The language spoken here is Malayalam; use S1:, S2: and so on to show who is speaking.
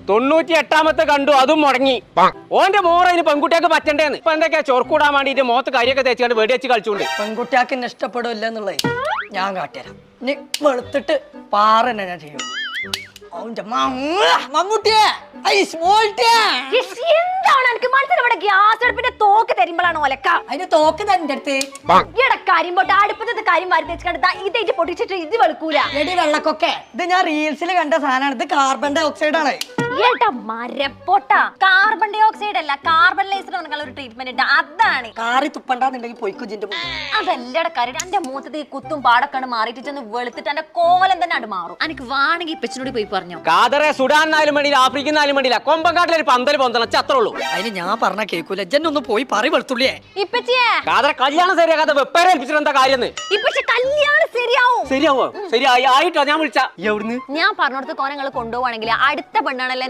S1: 98ാമത്തെ കണ്ടു, അതും മുടങ്ങി. ഓന്റെ മോറതിന് പെൺകുട്ടിയൊക്കെ പറ്റണ്ടേന്ന്. ഇപ്പൊ എന്തൊക്കെയാ ചൊർക്കൂടാൻ വേണ്ടിട്ട് മുഖത്ത് കരിയൊക്കെ തേച്ചുകൊണ്ട് വെടിവെച്ച് കളിച്ചുകൊണ്ട്.
S2: പെൺകുട്ടിയാക്ക് എന്നെ ഇഷ്ടപ്പെടില്ല എന്നുള്ളത് ഞാൻ കാട്ടിത്തരാം. ഇനി വെളുത്തിട്ട് പാറ തന്നെ ഞാൻ ചെയ്യും. മമ്മൂട്ടിയെ
S3: എന്താണ് എനിക്ക് മനസ്സിൽ ഇവിടെ ഗ്യാസ് അടുപ്പിന്റെ തോക്ക് തരുമ്പോഴാണ് ഒലക്ക.
S2: അതിന്റെ തോക്ക് തന്റെ അടുത്ത്
S3: ഇവിടെ കാര്യം പോട്ട് അടുപ്പത്തെ കാര്യം വാരി വെച്ചിട്ട് ഇതേറ്റ് പൊട്ടിച്ചിട്ട് ഇത് വെളുക്കൂല.
S2: എടി വെള്ളക്കൊക്കെ ഇത് ഞാൻ റീൽസിൽ കണ്ട സാധനമാണ്. ഇത് കാർബൺ ഡൈ ഓക്സൈഡ് ആണ്.
S3: ഏട്ടാ മരപ്പൊട്ട. കാർബൺ ഡൈ ഓക്സൈഡ് അല്ല, കാർബൺ ലൈസർ ഒരു ട്രീറ്റ്മെന്റ് ഉണ്ട്, അതാണ്.
S2: കാറി തുപ്പണ്ടെന്നുണ്ടെങ്കിൽ പൊയ്ക്കുജിന്റെ
S3: അതല്ലടെ കാര്യം. എന്റെ മൂത്തത് ഈ കുത്തും പാടൊക്കെ മാറിയിട്ട് ചെന്ന് വെളുത്തിട്ട് എന്റെ കോലം തന്നെ അത് മാറും. എനിക്ക് വേണമെങ്കിൽ ഇപ്പച്ചനോട് പോയി പറഞ്ഞു.
S1: കാതറെ സുഡാനായാലും വേണ്ടിയില്ല, ആഫ്രിക്കനായാലും വേണ്ടിയില്ല, കൊമ്പങ്കാട്ടിലൊരു പന്തൽ പൊന്തണം അത്രേ ഉള്ളൂ.
S2: അതിന് ഞാൻ പറഞ്ഞ കേൾക്കൂല. ജന്നൊന്ന് പോയി പറ വെളുത്തുള്ളിയെ.
S3: ഇപ്പച്ചിയെ
S1: കാതറെ കല്യാണം ശരിയാക്കാതെ വെപ്പേരെ ഏൽപ്പിച്ചിട്ട് എന്താ കാര്യം?
S3: ഇപ്പച്ചി കല്യാണം ശരിയാവും.
S1: ശരിയാവോ? ശരിയായി ആയിട്ടോ ഞാൻ വിളിച്ച.
S3: ഞാൻ പറഞ്ഞോടത്ത് കോനങ്ങൾ കൊണ്ടുപോവാണെങ്കിൽ അടുത്ത പെണ്ണാണല്ലേ